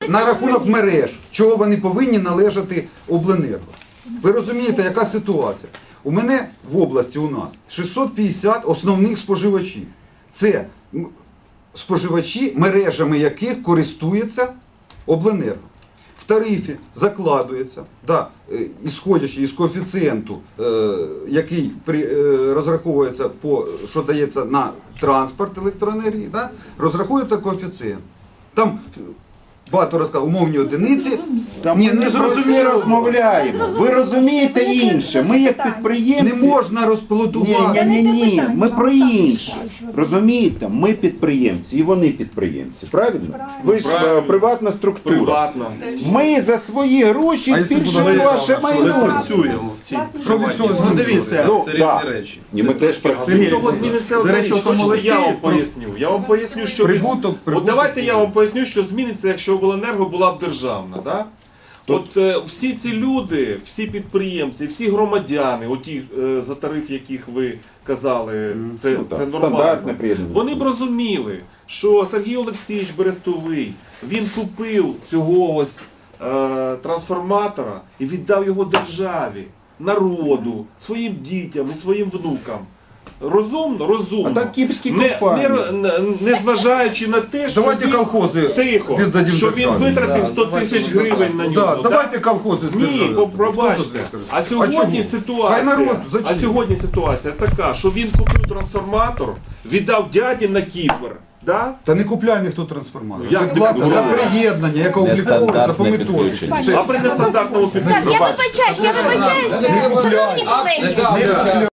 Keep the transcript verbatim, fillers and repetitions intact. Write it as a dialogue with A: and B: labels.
A: на рахунок мереж, чого вони повинні належати обленерго. Ви розумієте, яка ситуація? У мене в області у нас шістсот п'ятдесят основних споживачів. Це споживачі, мережами яких користується обленерго. В тарифі закладується, да, ісходячи із коефіцієнту, е, який при, е, розраховується, по, що дається на транспорт електроенергії, да, розраховується коефіцієнт. Там багато розказав, умовні одиниці.
B: Та
A: Ні,
B: ми
A: не
B: не про це
A: зрозуміло.
B: розмовляємо. Ви розумієте інше. Ми як підприємці...
A: Не можна розплодувати.
B: Ні, ні, ні, ні. Ми про інше. Розумієте? Ми підприємці і вони підприємці. Правильно? Ви ж е, приватна структура.
C: Приватно.
B: Ми за свої гроші
A: А якщо
B: збільшуємо
A: буде
B: ваше
C: Ми
B: майно.
C: працюємо в цій
A: Що від цього
C: приватній
A: дивіться?
C: структурі.
B: Ну,
C: Це
B: да.
C: різні речі.
B: Ні, ми теж
C: Від
B: працюємо.
C: цього зміниться одна
A: До речі,
C: річ.
A: в тому
C: Хочете,
A: листі
C: я вам
A: про-
C: поясню. Я вам поясню, що від-
A: Прибуток,
C: От
A: прибуток.
C: давайте я вам поясню, що зміниться, якщо обленерго була б державна. Да? От е, всі ці люди, всі підприємці, всі громадяни, оті, е, за тариф, яких ви казали, це,
B: Ну, так,
C: це
B: стандартне
C: нормально.
B: приєднання.
C: Вони б розуміли, що Сергій Олексійович Берестовий, він купив цього ось е, трансформатора і віддав його державі, народу, своїм дітям і своїм внукам. Розумно, розумно.
B: А так кіпрські
C: не,
B: компанії.
C: не, не, не зважаючи на те, що
A: Давайте
C: він,
A: колхози
C: тихо,
A: віддадим
C: що він
A: державі.
C: витратив сто тисяч гривень на нього.
A: Да,
C: да?
A: давайте колхози
C: Ні,
A: збережемо.
C: по- пробачте. А сьогодні
A: чому? Хай
C: ситуація,
A: народ,
C: а
A: зачем?
C: сьогодні ситуація така, що він купив трансформатор, віддав дяді на Кіпр. Да?
A: Та не купляє ніхто трансформатор.
C: Як
A: Це
C: не
A: плата за
C: купляє?
A: приєднання, яка обліковується по
D: Нестандартне
A: методиці.
D: підключення.
A: Все.
C: А при нестандартному
E: Так,
C: підключенні.
E: я вибачаюсь, я вибачаюсь, шановні колеги.
A: Не купляє.